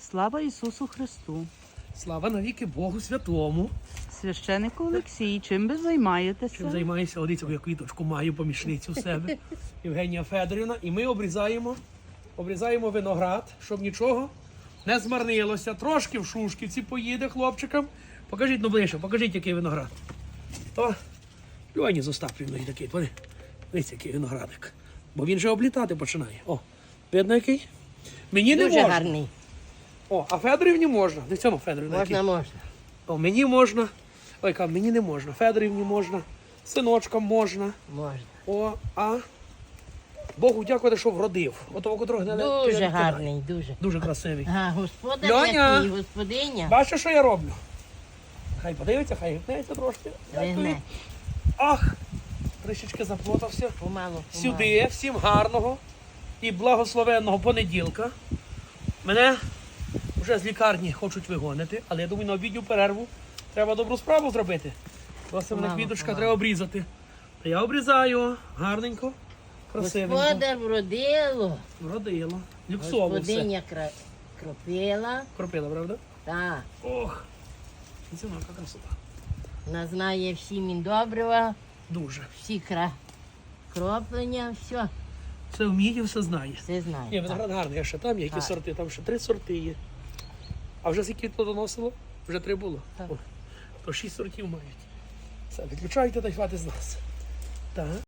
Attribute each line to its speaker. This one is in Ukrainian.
Speaker 1: Слава Ісусу Христу!
Speaker 2: Слава навіки Богу Святому.
Speaker 1: Священику Олексій, чим ви займаєтеся?
Speaker 2: Чим займаюся, одиця, я квіточку маю, помічницю в себе, Євгенія Федорівна. І ми обрізаємо виноград, щоб нічого не змарнилося. Трошки в Шушківці поїде хлопчикам. Покажіть, ну ближче, покажіть, який виноград. То Льоні з Остапівною такий, дивіться, який виноградик. Бо він же облітати починає. О, видно який? Мені не
Speaker 3: Дуже
Speaker 2: можна.
Speaker 3: гарний.
Speaker 2: О, а Федорівні можна. Дивіться, ну, Федорівна.
Speaker 3: Можна,
Speaker 2: який.
Speaker 3: можна.
Speaker 2: О, мені можна. Ой, кажу, мені не можна. Федорівні можна. Синочкам можна.
Speaker 3: Можна.
Speaker 2: О, а Богу дякувати, що вродив. Ото котрого не
Speaker 3: Дуже гарний, дуже.
Speaker 2: Дуже красивий.
Speaker 3: Ага, господар
Speaker 2: Льоня!
Speaker 3: який, господиня.
Speaker 2: Бачиш, що я роблю? Хай подивиться, хай гипнеться трошки.
Speaker 3: Лине.
Speaker 2: Ах, трішечки заплутався.
Speaker 3: Помалу,
Speaker 2: Сюди, всім гарного і благословенного понеділка. Мене вже з лікарні хочуть вигонити, але я думаю, на обідню перерву треба добру справу зробити. Просто мене
Speaker 3: Помалу,
Speaker 2: квіточка
Speaker 3: помалу.
Speaker 2: треба обрізати. Та я обрізаю гарненько, красивенько.
Speaker 3: Господар вродило.
Speaker 2: Вродило. Люксово все.
Speaker 3: Господиня кропила.
Speaker 2: Кропила, правда?
Speaker 3: Так.
Speaker 2: Ох, це яка красота.
Speaker 3: Вона знає всі міндобрива,
Speaker 2: Дуже.
Speaker 3: всі кроплення, все.
Speaker 2: Все вміє, все знає.
Speaker 3: Все знає.
Speaker 2: Ні, виноград гарний, а ще там є які
Speaker 3: Так.
Speaker 2: сорти, там ще 3 сорти є. А вже скільки плодоносило? Вже 3 було.
Speaker 3: Так.
Speaker 2: О, то 6 сортів мають. Все, відключайте та й хватить з нас. Так.